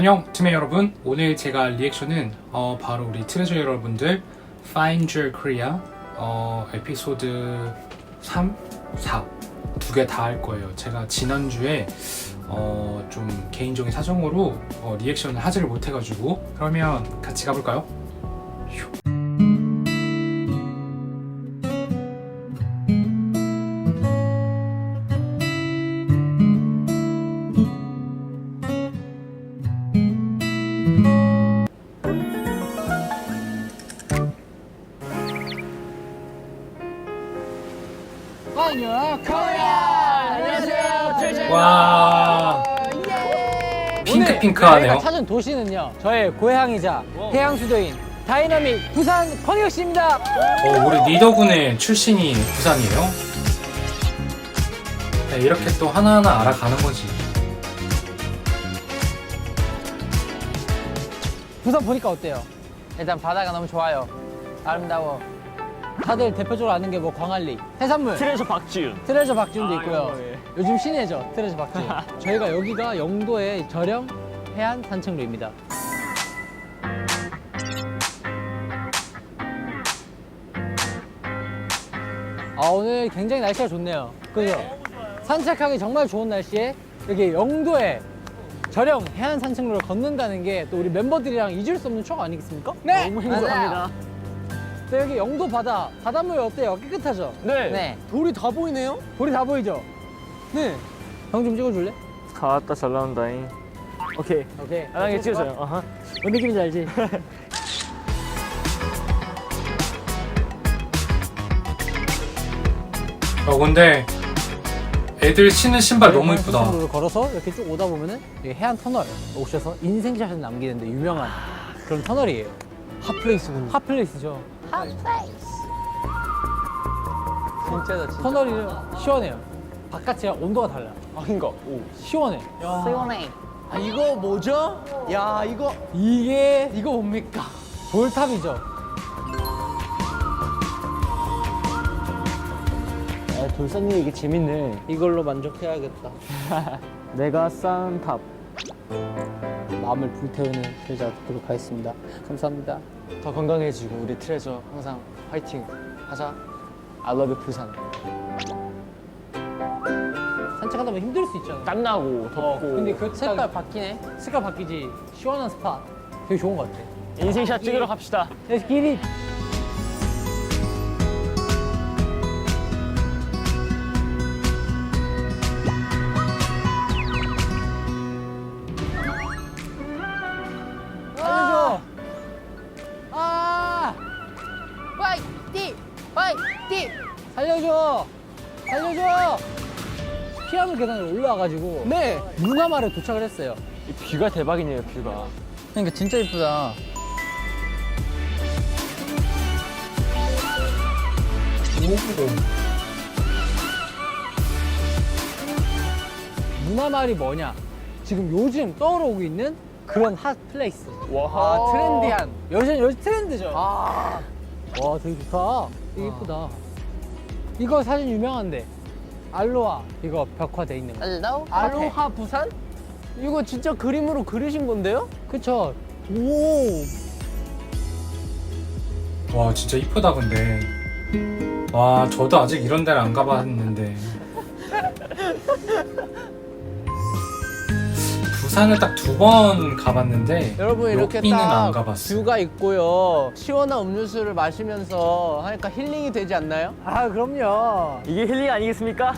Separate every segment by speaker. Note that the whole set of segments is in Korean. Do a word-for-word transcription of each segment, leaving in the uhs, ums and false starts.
Speaker 1: 안녕 팀의 여러분, 오늘 제가 리액션은 어, 바로 우리 트레저 여러분들 Find Your Korea 어, 에피소드 삼, 사 두 개 다 할 거예요. 제가 지난주에 어, 좀 개인적인 사정으로 어, 리액션을 하지를 못해가지고, 그러면 같이 가볼까요? 휴.
Speaker 2: 안녕하세요, 트레저.
Speaker 1: 와,
Speaker 2: 예.
Speaker 1: 핑크핑크하네요.
Speaker 2: 저희가 찾은 도시는요, 저의 고향이자 해양 수도인 다이나믹 부산 광역시입니다.
Speaker 1: 어, 우리 리더군의 출신이 부산이에요. 네, 이렇게 또 하나하나 알아가는 거지.
Speaker 2: 부산 보니까 어때요? 일단 바다가 너무 좋아요. 아름다워. 다들 대표적으로 아는 게 뭐 광안리, 해산물,
Speaker 3: 트레저 박지윤.
Speaker 2: 트레저 박지훈도
Speaker 3: 아,
Speaker 2: 있고요.
Speaker 3: 이거, 예.
Speaker 2: 요즘 신예죠, 트레저 박지훈. 저희가 여기가 영도의 저렴 해안 산책로입니다. 아, 오늘 굉장히 날씨가 좋네요. 그죠? 산책하기 정말 좋은 날씨에 여기 영도에 저렴 해안 산책로를 걷는다는 게 또 우리 멤버들이랑 잊을 수 없는 추억 아니겠습니까? 네!
Speaker 3: 너무 행복합니다.
Speaker 2: 또 여기 영도 바다, 바닷물 어때요? 깨끗하죠?
Speaker 3: 네.
Speaker 2: 돌이 다 보이네요? 돌이 다 보이죠? 네. 형 좀 찍어줄래?
Speaker 3: 가왔다 잘 나온다잉. 오케이.
Speaker 2: 오케이.
Speaker 3: 안하게 찍어줘요. 아하.
Speaker 2: 뭔 느낌인지 알지?
Speaker 1: 어, 근데 애들 신는 신발 너무 이쁘다.
Speaker 2: 로 걸어서 이렇게 쭉 오다 보면은 여기 해안 터널 오셔서 인생샷을 남기는데 유명한 그런 터널이에요. 핫플레이스군요. 핫플레이스죠.
Speaker 3: 진짜다, 진짜.
Speaker 2: 터널이 시원해요. 바깥이랑 온도가 달라.
Speaker 3: 아, 그니까. 오.
Speaker 2: 시원해.
Speaker 4: 시원해. 아, 이거 뭐죠? 야, 이거
Speaker 2: 이게 이거 뭡니까? 돌탑이죠.
Speaker 3: 아, 돌 쌓는 게 이게 재밌네.
Speaker 2: 이걸로 만족해야겠다.
Speaker 3: 내가 쌓은 탑.
Speaker 2: 마음을 불태우는 트레저 듣도록 하겠습니다. 감사합니다.
Speaker 3: 더 건강해지고 우리 트레저 항상 화이팅 하자. I love you 부산.
Speaker 2: 산책하다 보면 힘들 수 있잖아.
Speaker 3: 땀나고 덥고.
Speaker 2: 근데 그 색깔 바뀌네? 색깔 바뀌지. 시원한 스팟. 되게 좋은 것 같아.
Speaker 3: 인생샷 찍으러 갑시다.
Speaker 2: Let's get it. 살려줘. 아,
Speaker 4: 화이팅! 화이팅!
Speaker 2: 살려줘. 살려줘. 피아노 계단을 올라와가지고
Speaker 4: 네.
Speaker 2: 문화마을에 도착을 했어요.
Speaker 3: 이 뷰가 대박이네요, 뷰가.
Speaker 2: 그러니까 진짜 이쁘다. 문화마을이 뭐냐? 지금 요즘 떠오르고 있는 그런 핫 플레이스.
Speaker 3: 와.
Speaker 2: 아, 트렌디한. 요즘 요즘 트렌드죠. 아, 와, 되게 좋다. 되게 이쁘다. 이거 사진 유명한데. 알로하 이거 벽화돼 있는 거.
Speaker 4: 알로하?
Speaker 2: 알로하
Speaker 4: 부산? 이거 진짜 그림으로 그리신 건데요?
Speaker 2: 그쵸? 오.
Speaker 1: 와, 진짜 이쁘다. 근데 와, 저도 아직 이런 데를 안 가봤는데 부산을 딱 두 번 가봤는데
Speaker 4: 여러분, 이렇게
Speaker 1: 여기는 안
Speaker 4: 딱
Speaker 1: 가봤어요.
Speaker 4: 뷰가 있고요. 시원한 음료수를 마시면서 하니까 힐링이 되지 않나요?
Speaker 2: 아, 그럼요.
Speaker 3: 이게 힐링 아니겠습니까?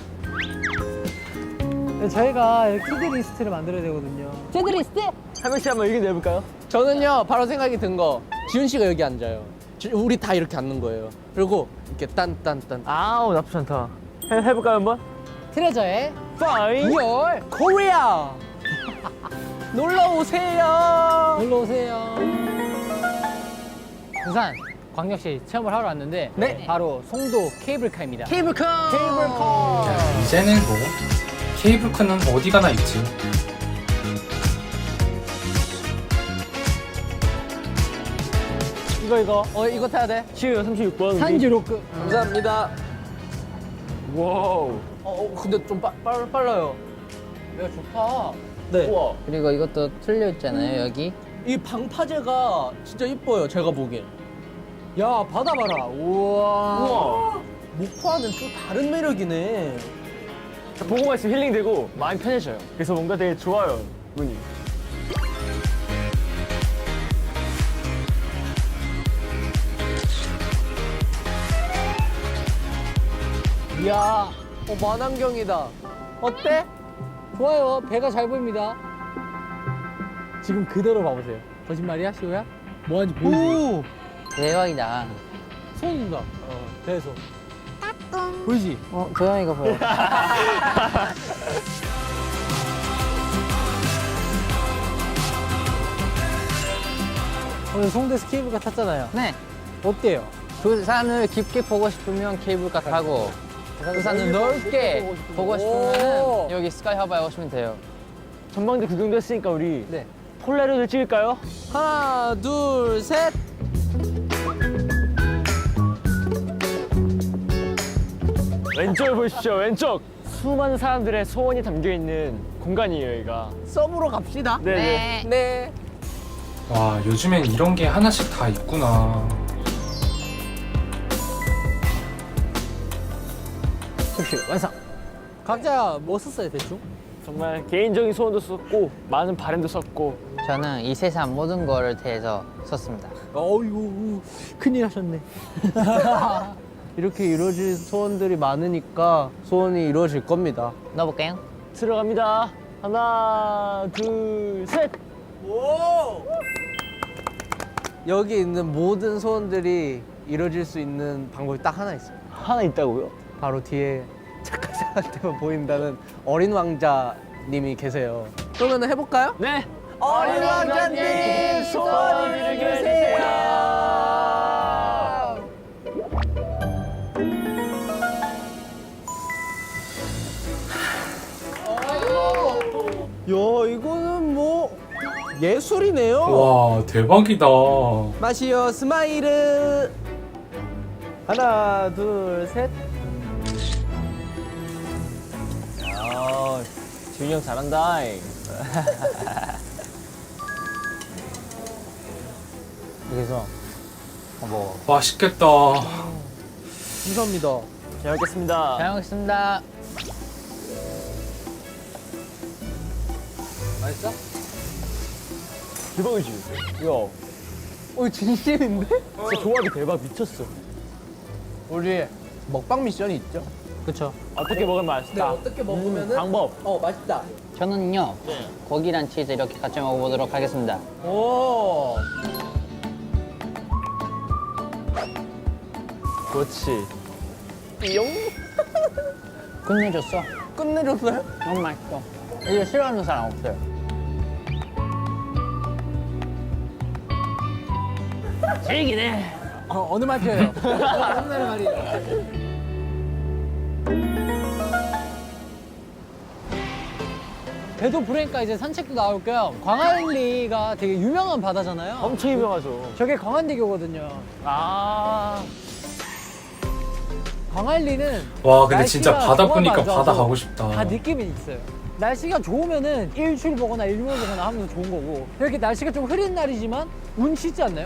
Speaker 2: 저희가 키드 리스트를 만들어야 되거든요.
Speaker 4: 제드리스트?
Speaker 3: 한 명씩 한번 의견 내볼까요?
Speaker 4: 저는요, 바로 생각이 든 거. 지훈 씨가 여기 앉아요. 지- 우리 다 이렇게 앉는 거예요. 그리고 이렇게 딴딴딴.
Speaker 3: 아우, 나쁘지 않다. 해, 해볼까요, 한번?
Speaker 2: 트레저의
Speaker 3: 파인.
Speaker 2: 리얼 코리아.
Speaker 4: 놀러 오세요.
Speaker 2: 놀러 오세요. 부산 광역시 체험을 하러 왔는데
Speaker 4: 네.
Speaker 2: 바로 송도 케이블카입니다.
Speaker 4: 케이블카.
Speaker 2: 케이블카.
Speaker 1: 야, 이제는 뭐 케이블카는 어디 가나 있지.
Speaker 2: 이거 이거
Speaker 4: 어, 이거 타야 돼.
Speaker 3: 시우 삼십육 번.
Speaker 2: 산지로크.
Speaker 4: 감사합니다.
Speaker 3: 와우.
Speaker 4: 어, 어 근데 좀 빠, 빨, 빨라요.
Speaker 2: 야, 좋다. 네.
Speaker 4: 우와.
Speaker 5: 그리고 이것도 틀려 있잖아요, 여기.
Speaker 4: 이 방파제가 진짜 이뻐요, 제가 보기엔.
Speaker 2: 야, 바다 봐라. 우와.
Speaker 4: 우와. 목포와는 또 다른 매력이네.
Speaker 3: 보고만 있으면 힐링되고 마음이 편해져요. 그래서 뭔가 되게 좋아요, 눈이.
Speaker 2: 이야,
Speaker 4: 어, 만안경이다. 어때?
Speaker 2: 좋아요. 배가 잘 보입니다. 지금 그대로 봐보세요. 거짓말이야, 시호야? 뭐 하는지 보이지?
Speaker 4: 오!
Speaker 5: 대박이다.
Speaker 2: 손 둔다. 어, 배에서. 보이지?
Speaker 5: 어, 도영이가 보여.
Speaker 2: 오늘 송대 스케이블카 탔잖아요.
Speaker 5: 네.
Speaker 2: 어때요?
Speaker 5: 부산을 깊게 보고 싶으면 케이블카 타고 부산을 넓게 보고
Speaker 2: 오.
Speaker 5: 싶으면 여기 스카이 하바에 오시면 돼요.
Speaker 3: 전망대 구경도 했으니까 우리
Speaker 2: 네.
Speaker 3: 폴라로이드 찍을까요?
Speaker 4: 하나, 둘, 셋.
Speaker 3: 왼쪽을 보십시오, 왼쪽. 수많은 사람들의 소원이 담겨 있는 공간이에요, 여기가.
Speaker 4: 썸으로 갑시다.
Speaker 3: 네.
Speaker 4: 네.
Speaker 1: 와, 요즘엔 이런 게 하나씩 다 있구나.
Speaker 2: 접시 완성. 각자 뭐 썼어요, 대충?
Speaker 3: 정말 개인적인 소원도 썼고 많은 바램도 썼고.
Speaker 5: 저는 이 세상 모든 거를 대해서 썼습니다.
Speaker 2: 어이구, 큰일 하셨네.
Speaker 4: 이렇게 이루어질 소원들이 많으니까 소원이 이루어질 겁니다.
Speaker 5: 넣어볼까요?
Speaker 3: 들어갑니다. 하나, 둘, 셋.
Speaker 4: 여기 있는 모든 소원들이 이루어질 수 있는 방법이 딱 하나 있어요.
Speaker 3: 하나 있다고요?
Speaker 4: 바로 뒤에 착한 사람한테만 보인다는 어린 왕자님이 계세요. 그러면 해볼까요?
Speaker 3: 네.
Speaker 4: 어린 왕자님 소원 이루세요. 야, 이거는 뭐 예술이네요.
Speaker 1: 와, 대박이다.
Speaker 4: 마시오 스마일을. 하나, 둘, 셋.
Speaker 3: 아, 지훈이 형 잘한다.
Speaker 5: 여기서 뭐
Speaker 1: 맛있겠다.
Speaker 4: 감사합니다.
Speaker 3: 잘 먹겠습니다.
Speaker 5: 잘 먹겠습니다.
Speaker 2: 맛있어?
Speaker 3: 대박이지? 야,
Speaker 4: 어, 진심인데?
Speaker 3: 진짜 조합이 대박 미쳤어.
Speaker 4: 우리 먹방 미션이 있죠?
Speaker 2: 그쵸.
Speaker 3: 어떻게 먹으면 맛있다?
Speaker 4: 어떻게 먹으면은
Speaker 3: 방법.
Speaker 4: 어, 맛있다.
Speaker 5: 저는요 고기랑 치즈 이렇게 같이 먹어보도록 하겠습니다.
Speaker 4: 오.
Speaker 3: 그렇지.
Speaker 5: 끝내줬어.
Speaker 4: 끝내줬어요?
Speaker 5: 너무 맛있어. 이거 싫어하는 사람 없어요.
Speaker 3: 즐기네.
Speaker 2: 어, 어느 말 표현요? 어느 나라 말이에요? 배도 부르니까 이제 산책도 나올 겸 광안리가 되게 유명한 바다잖아요.
Speaker 3: 엄청 유명하죠.
Speaker 2: 저게 광안대교거든요.
Speaker 3: 아,
Speaker 2: 광안리는
Speaker 1: 와, 근데 진짜
Speaker 2: 날씨가
Speaker 1: 바다
Speaker 2: 조금
Speaker 1: 보니까
Speaker 2: 안 좋아서
Speaker 1: 바다 가고 싶다.
Speaker 2: 다 느낌이 있어요. 날씨가 좋으면은 일출 보거나 일몰 보거나 하면서 좋은 거고 이렇게 날씨가 좀 흐린 날이지만 운치 있지 않나요?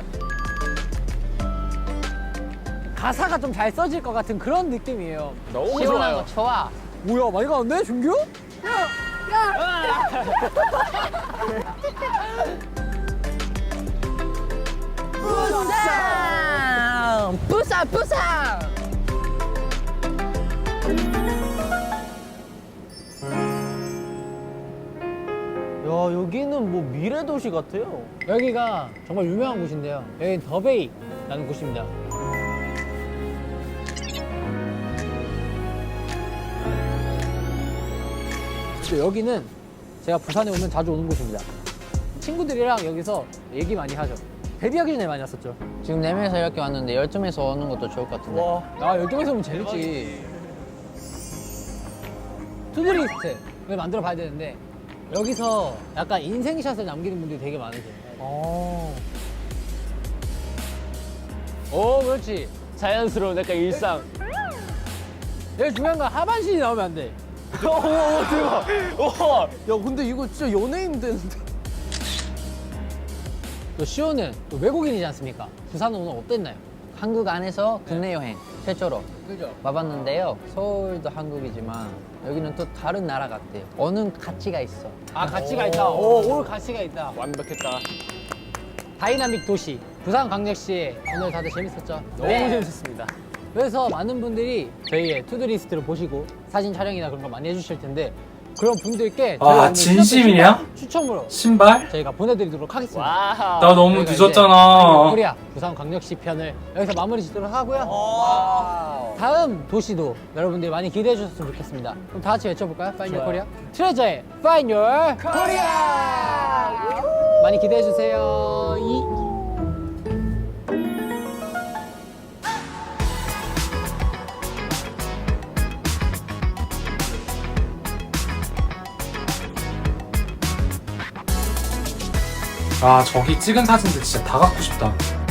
Speaker 2: 가사가 좀 잘 써질 것 같은 그런 느낌이에요.
Speaker 3: 너무
Speaker 5: 시원한
Speaker 3: 좋아요.
Speaker 5: 거 좋아.
Speaker 2: 뭐야 많이 가는데 준규?
Speaker 5: 부산! 부산! 부산!
Speaker 4: 야, 여기는 뭐 미래 도시 같아요.
Speaker 2: 여기가 정말 유명한 곳인데요. 여기 더베이라는 곳입니다. 그리고 여기는 제가 부산에 오면 자주 오는 곳입니다. 친구들이랑 여기서 얘기 많이 하죠. 데뷔하기 전에 많이 왔었죠.
Speaker 5: 지금 네 명이서 이렇게 왔는데 열두 명이서 오는 것도 좋을 것 같은데.
Speaker 4: 와,
Speaker 2: 아, 열두 명이서 오면 재밌지. 투드리스트를 만들어 봐야 되는데 여기서 약간 인생샷을 남기는 분들이 되게 많으세요.
Speaker 4: 어.
Speaker 2: 오, 그렇지.
Speaker 3: 자연스러운 약간 일상.
Speaker 2: 여기 중요한 건 하반신이 나오면 안 돼.
Speaker 3: 오, 오, 대박. 오.
Speaker 4: 야 근데 이거 진짜 연예인 되는데.
Speaker 2: 또 시호는 또 외국인이지 않습니까? 부산은 오늘 어땠나요?
Speaker 5: 한국 안에서 국내 여행 최초로
Speaker 2: 그죠?
Speaker 5: 와봤는데요. 서울도 한국이지만 여기는 또 다른 나라 같아요. 어느 가치가 있어.
Speaker 2: 아 가치가 있다. 오, 오늘 가치가 있다.
Speaker 3: 완벽했다.
Speaker 2: 다이나믹 도시 부산광역시 오늘 다들 재밌었죠?
Speaker 3: 너무
Speaker 2: 네.
Speaker 3: 재밌었습니다.
Speaker 2: 그래서 많은 분들이 저희의 투두리스트를 보시고 사진 촬영이나 그런 거 많이 해주실 텐데 그런 분들께 저희가
Speaker 1: 아,
Speaker 2: 오늘
Speaker 1: 진심이냐?
Speaker 2: 추첨으로
Speaker 1: 신발?
Speaker 2: 저희가 보내드리도록 하겠습니다.
Speaker 3: 와우.
Speaker 1: 나 너무
Speaker 2: 저희가
Speaker 1: 늦었잖아.
Speaker 2: 코리아 부산광역시 편을 여기서 마무리 짓도록 하고요. 다음 도시도 여러분들이 많이 기대해 주셨으면 좋겠습니다. 그럼 다 같이 외쳐볼까요? Find Your Korea. 트레저의 Find Your Korea. 많이 기대해 주세요. 이
Speaker 1: 아, 저기 찍은 사진들 진짜 다 갖고 싶다.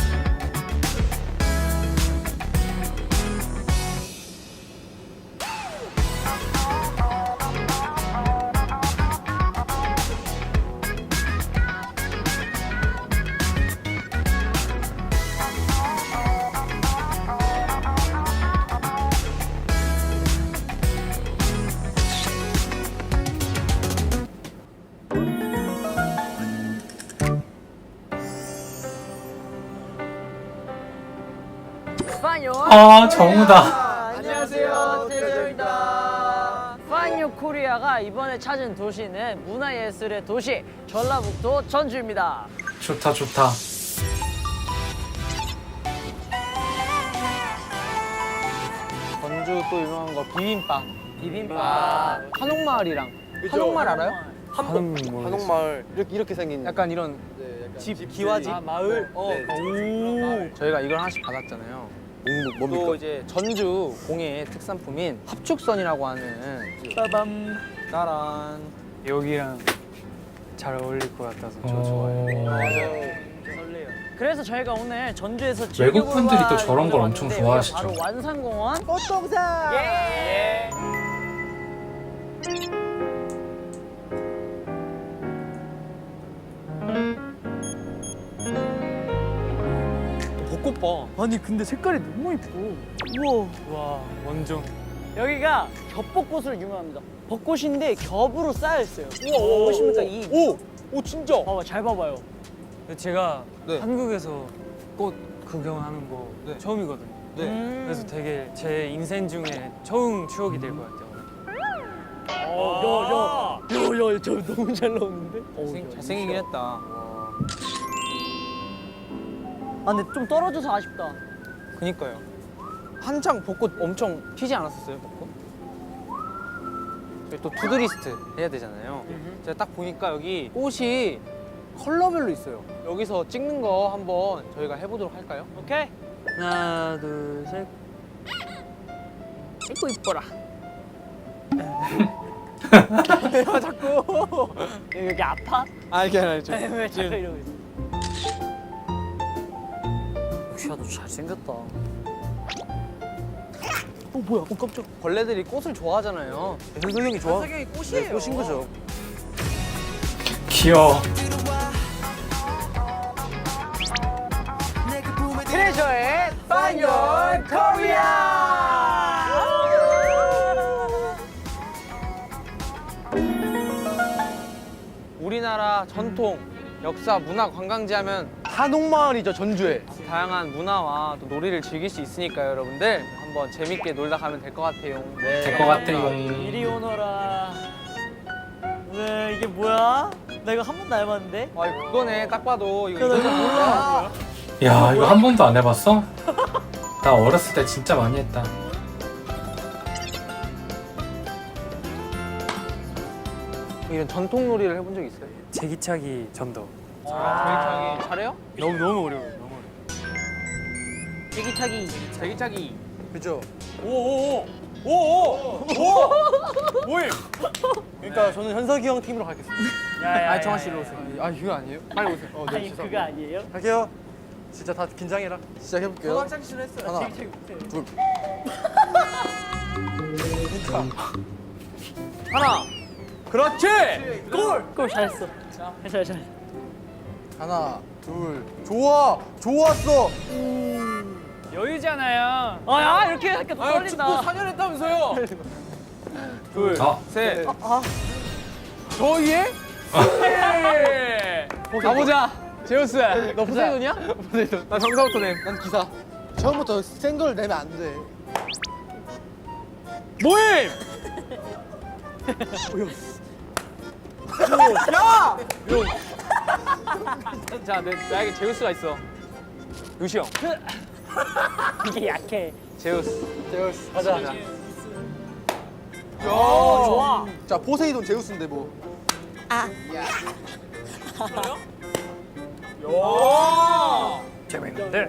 Speaker 1: 아, 정우다.
Speaker 6: 안녕하세요, 태조입니다. 파인유 코리아가 이번에 찾은 도시는 문화예술의 도시 전라북도 전주입니다.
Speaker 1: 좋다, 좋다.
Speaker 4: 전주 또 유명한 거 비빔밥.
Speaker 6: 비빔밥.
Speaker 4: 한옥마을이랑 한옥마을 알아요?
Speaker 3: 한번
Speaker 4: 한옥마을 이렇게 이렇게 생긴 약간 이런 집 기와집 마을. 어. 오. 저희가 이걸 하나씩 받았잖아요. 뭡니까? 또 이제 전주 공예의 특산품인 합축선이라고 하는 빠밤 따란
Speaker 3: 여기랑 잘 어울릴 것 같아서 저
Speaker 1: 어...
Speaker 3: 좋아해요.
Speaker 6: 그래서 저희가 오늘 전주에서
Speaker 1: 외국 분들이 또
Speaker 6: 즐겨볼
Speaker 1: 저런 걸 엄청
Speaker 6: 왔는데
Speaker 1: 좋아하시죠.
Speaker 6: 바로 완산공원
Speaker 4: 꽃동산.
Speaker 6: 예.
Speaker 4: 벚꽃 봐. 아니 근데 색깔이 너무 이뻐.
Speaker 6: 우와.
Speaker 3: 와, 완전.
Speaker 6: 여기가 겹벚꽃으로 유명합니다. 벚꽃인데 겹으로 쌓여 있어요. 우와, 보십니까 이?
Speaker 4: 오, 오 진짜.
Speaker 6: 봐봐, 잘 봐봐요.
Speaker 3: 제가
Speaker 4: 네.
Speaker 3: 한국에서 꽃 구경하는 거
Speaker 4: 네.
Speaker 3: 처음이거든요.
Speaker 4: 네.
Speaker 6: 음.
Speaker 3: 그래서 되게 제 인생 중에 좋은 추억이 될 것 같아요.
Speaker 6: 어, 야, 야, 야, 야, 저 너무 잘 나오는데?
Speaker 4: 잘생, 잘생기긴 했다.
Speaker 6: 아, 근데 좀 떨어져서 아쉽다.
Speaker 4: 그니까요. 한창 벚꽃 엄청 피지 않았었어요, 벚꽃? 저희 또 투두리스트 해야 되잖아요. 제가 딱 보니까 여기 꽃이 컬러별로 있어요. 여기서 찍는 거 한번 저희가 해보도록 할까요?
Speaker 6: 오케이?
Speaker 3: 하나, 둘, 셋.
Speaker 6: 이뻐 이뻐라.
Speaker 4: 내가 자꾸.
Speaker 6: 여기 아파?
Speaker 4: 아, 이게 아니라 저.
Speaker 6: 왜 자꾸 이러고 있어? 야, 너 잘생겼다.
Speaker 4: 어, 뭐야? 어, 깜짝. 벌레들이 꽃을 좋아하잖아요. 현석이 형이 좋아. 현석이 형이 꽃이에요. 네, 꽃인 거죠.
Speaker 1: 귀여워.
Speaker 6: 트레저의 Find Your Korea.
Speaker 4: 우리나라 전통, 역사, 문화 관광지 하면 한옥마을이죠, 전주에. 다양한 문화와 또 놀이를 즐길 수 있으니까요, 여러분들. 한번 재밌게 놀다 가면 될 것 같아요. 네.
Speaker 1: 될 것 같아요.
Speaker 6: 이리 오너라. 왜 이게 뭐야? 나 이거 한 번도 안 해봤는데?
Speaker 4: 아, 그거네. 딱 봐도 이거
Speaker 6: 야, 나
Speaker 4: 이거
Speaker 6: 이거 몰라.
Speaker 1: 야, 이거 한 번도 안 해봤어? 나 어렸을 때 진짜 많이 했다.
Speaker 4: 이런 전통 놀이를 해본 적 있어요?
Speaker 3: 제기차기 전도.
Speaker 4: 제기차기 잘해요?
Speaker 3: 너무 너무 어려워요. 너무 어려워요.
Speaker 6: 제기차기.
Speaker 4: 제기차기. 그죠?
Speaker 3: 그러니까 저는 현석이 형 팀으로 가겠습니다.
Speaker 6: 야야야.
Speaker 4: 아, 정한 씨 일로 오세요. 아, 이거 아니에요? 빨리 오세요. 어,
Speaker 6: 아니 그거 아니에요?
Speaker 3: 갈게요. 진짜 다 긴장해라.
Speaker 4: 시작해볼게요. 하나, 하나, 둘. 하나. 그렇지.
Speaker 6: 골! 골 잘했어. 잘했어, 잘했어.
Speaker 4: 하나, 둘. 좋아. 좋았어.
Speaker 6: 여유잖아요. 아, 야, 이렇게 하니까 또 떨린다.
Speaker 4: 사 년 했다면서요. 둘,
Speaker 1: 아.
Speaker 4: 셋.
Speaker 6: 아.
Speaker 4: 저 위에? 가보자. 제우스. 너 포세이돈이야? 포세이돈. 나 정사부터 내. 난 기사.
Speaker 7: 처음부터 센 걸 내면 안 돼.
Speaker 4: 모임! 야! 용. 자, 내, 나에게 제우스가 있어. 루시 형.
Speaker 6: 이게 약해.
Speaker 4: 제우스. 제우스. 가자. 가자.
Speaker 6: 어, 좋아.
Speaker 7: 자, 포세이돈 제우스인데 뭐.
Speaker 4: 재밌는데?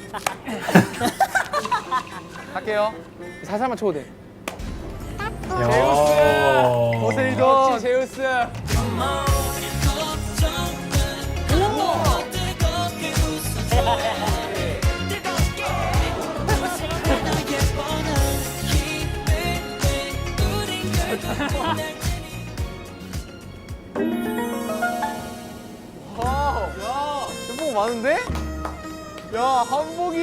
Speaker 4: 갈게요. 살살만 쳐도 돼.
Speaker 1: 제우스.
Speaker 4: 포세이돈. 그렇지, 제우스. 와, 야, 한복 많은데? 야, 한복이.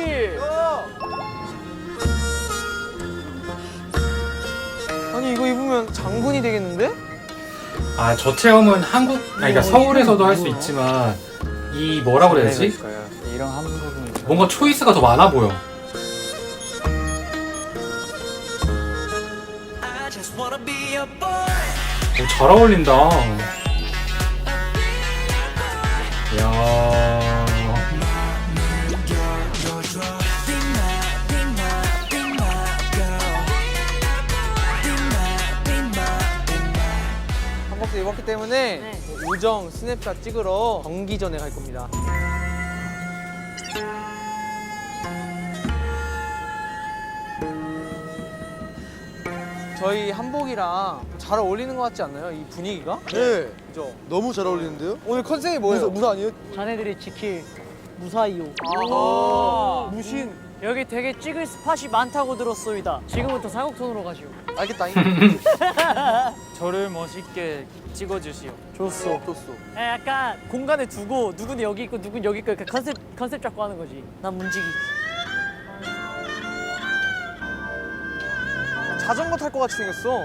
Speaker 4: 아니 이거 입으면 장군이 되겠는데?
Speaker 1: 아, 저 체험은 한국, 아니, 그러니까 서울에서도 할 수 있지만 이 뭐라고 그래야 되지?
Speaker 4: 이런 한복은
Speaker 1: 뭔가 초이스가 더 많아 보여. 오, 잘 어울린다. 야.
Speaker 4: 한복도 입었기 때문에
Speaker 6: 네.
Speaker 4: 우정 스냅샷 찍으러 경기전에 갈 겁니다. 저희 한복이랑 잘 어울리는 것 같지 않나요? 이 분위기가?
Speaker 7: 네.
Speaker 4: 그죠?
Speaker 7: 너무 잘 어울리는데요?
Speaker 4: 오늘 컨셉이 뭐예요?
Speaker 7: 무사, 무사 아니에요?
Speaker 6: 자네들이 지킬 무사히요.
Speaker 4: 아, 무신.
Speaker 6: 여기 되게 찍을 스팟이 많다고 들었소이다. 지금부터 사곡톤으로 가시오.
Speaker 7: 알겠다.
Speaker 6: 저를 멋있게 찍어주시오. 좋소.
Speaker 7: 좋소.
Speaker 6: 야, 약간 공간에 두고 누군 여기 있고 누군 여기 있고 이렇게 컨셉 컨셉 잡고 하는 거지. 난 문지기.
Speaker 4: 자전거 탈 것 같이 생겼어.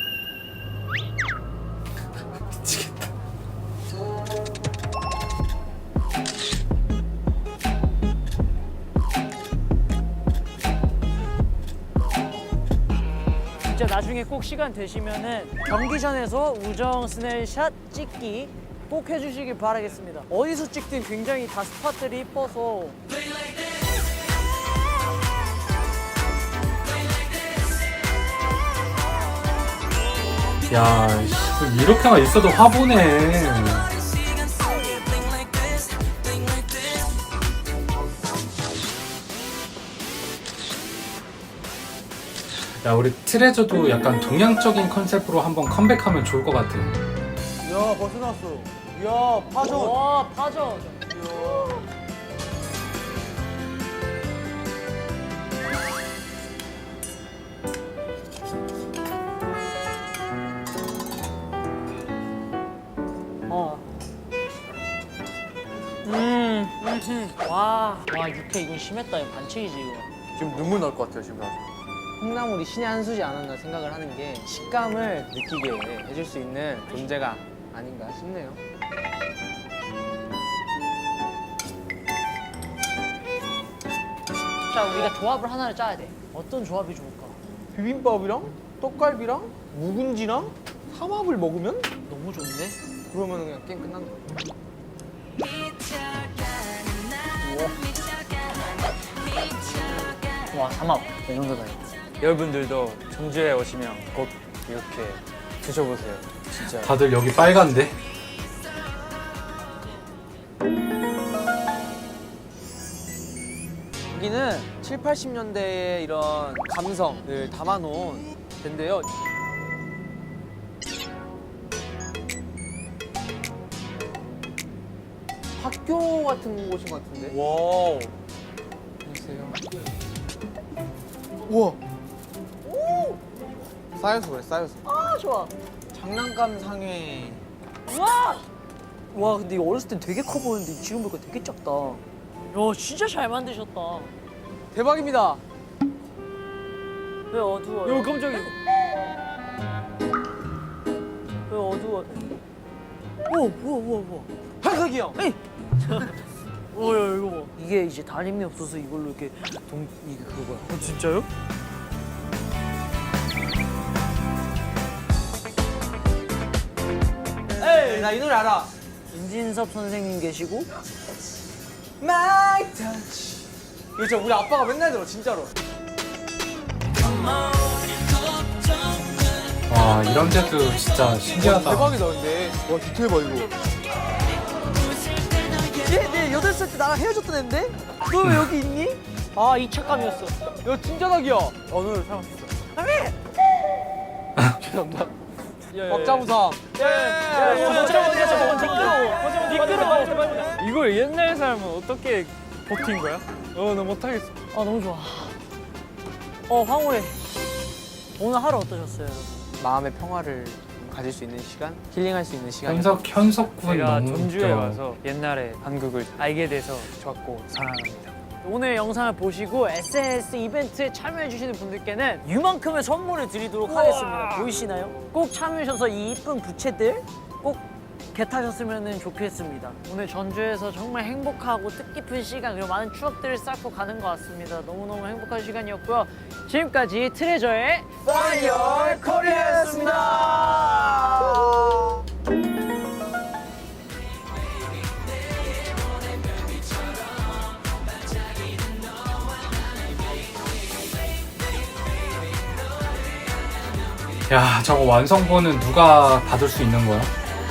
Speaker 6: 진짜 나중에 꼭 시간 되시면은 경기전에서 우정 스냅샷 찍기 꼭 해주시길 바라겠습니다. 어디서 찍든 굉장히 다 스팟들이 이뻐서
Speaker 1: 야, 씨, 이렇게만 있어도 화보네. 야, 우리 트레저도 약간 동양적인 컨셉으로 한번 컴백하면 좋을 것 같아.
Speaker 7: 야, 벌써 나왔어. 야, 파전.
Speaker 6: 와 파전. 어. 음, 음, 와, 와 육회 이건 심했다. 이거 반칙이지 이거.
Speaker 7: 지금 눈물 날 것 같아요, 지금 나서.
Speaker 4: 콩나물이 신의 한 수지 않았나 생각을 하는 게 식감을 느끼게 해줄 수 있는 존재가 아닌가 싶네요.
Speaker 6: 자, 우리가 조합을 하나를 짜야 돼. 어떤 조합이 좋을까?
Speaker 4: 비빔밥이랑 떡갈비랑 묵은지랑 삼합을 먹으면
Speaker 6: 너무 좋은데?
Speaker 4: 그러면 그냥 게임 끝난다.
Speaker 6: 와, 삼합. 이 정도다.
Speaker 3: 여러분들도 전주에 오시면 꼭 이렇게 드셔보세요. 진짜.
Speaker 1: 다들 여기 빨간데?
Speaker 4: 여기는 칠, 팔십 년대의 이런 감성을 담아놓은 데인데요. 학교 같은 곳인 것 같은데.
Speaker 7: 와우.
Speaker 4: 안녕하세요.
Speaker 7: 우와.
Speaker 4: 쌓여서 그래, 쌓여서.
Speaker 6: 아, 좋아.
Speaker 4: 장난감 상회.
Speaker 6: 와 근데 이거 어렸을 땐 되게 커 보였는데 지금 보니까 되게 작다. 야 진짜 잘 만드셨다.
Speaker 4: 대박입니다.
Speaker 6: 왜 어두워요?
Speaker 4: 요 깜짝이야.
Speaker 6: 왜 어두워? 우와 우와 우와 우와.
Speaker 4: 한석이 형.
Speaker 6: 오야 이거 봐. 이게 이제 다림이 없어서 이걸로 이렇게 동 이게 그거야. 어 진짜요?
Speaker 4: 에이, 나 이 노래 알아.
Speaker 6: 임진섭 선생님 계시고
Speaker 4: My touch. 이거 진짜 우리 아빠가 맨날 들어, 진짜로.
Speaker 1: 와 이런 데도 진짜 신기하다.
Speaker 7: 대박이다 근데. 와 디테일 봐 이거.
Speaker 6: 얘내 여덟 살 때 나랑 헤어졌던 앤데? 너 왜 여기 있니? 아 이 착감이었어.
Speaker 4: 야, 진짜 닭이야. 어느 사람 있어. 죄송합니다. 박자무상.
Speaker 3: 이걸 옛날 사람은 어떻게 버틴 거야? 어, 나 못하겠어.
Speaker 6: 아 너무 좋아. 어 황홀해. 오늘 하루 어떠셨어요?
Speaker 4: 마음의 평화를 가질 수 있는 시간, 힐링할 수 있는 시간.
Speaker 1: 현석 현석군
Speaker 3: 제가
Speaker 1: 너무
Speaker 3: 전주에
Speaker 1: 웃겨.
Speaker 3: 와서 옛날에 한국을 알게 돼서 좋았고 사랑합니다.
Speaker 6: 오늘 영상을 보시고 에스엔에스 이벤트에 참여해주시는 분들께는 이만큼의 선물을 드리도록 하겠습니다. 보이시나요? 꼭 참여하셔서 이 이쁜 부채들 꼭 겟하셨으면 좋겠습니다. 오늘 전주에서 정말 행복하고 뜻깊은 시간 그리고 많은 추억들을 쌓고 가는 것 같습니다. 너무너무 행복한 시간이었고요. 지금까지 트레저의
Speaker 4: Find Your Korea였습니다.
Speaker 1: 야 저거 완성본은 누가 받을 수 있는 거야?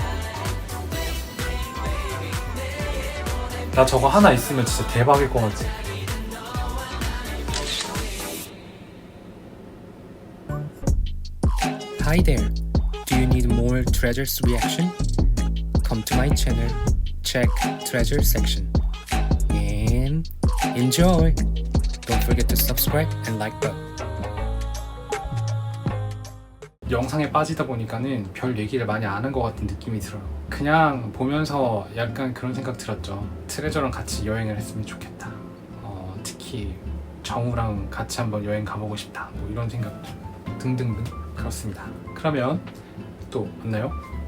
Speaker 1: 나 저거 하나 있으면 진짜 대박일 것 같아.
Speaker 8: Hi there. Do you need more Treasures reaction? Come to my channel. Check Treasure section. And enjoy. Don't forget to subscribe and like button.
Speaker 1: 영상에 빠지다 보니까는 별 얘기를 많이 안 한 것 같은 느낌이 들어요. 그냥 보면서 약간 그런 생각 들었죠. 트레저랑 같이 여행을 했으면 좋겠다. 어, 특히 정우랑 같이 한번 여행 가보고 싶다. 뭐 이런 생각 등등등 그렇습니다. 그러면 또 만나요.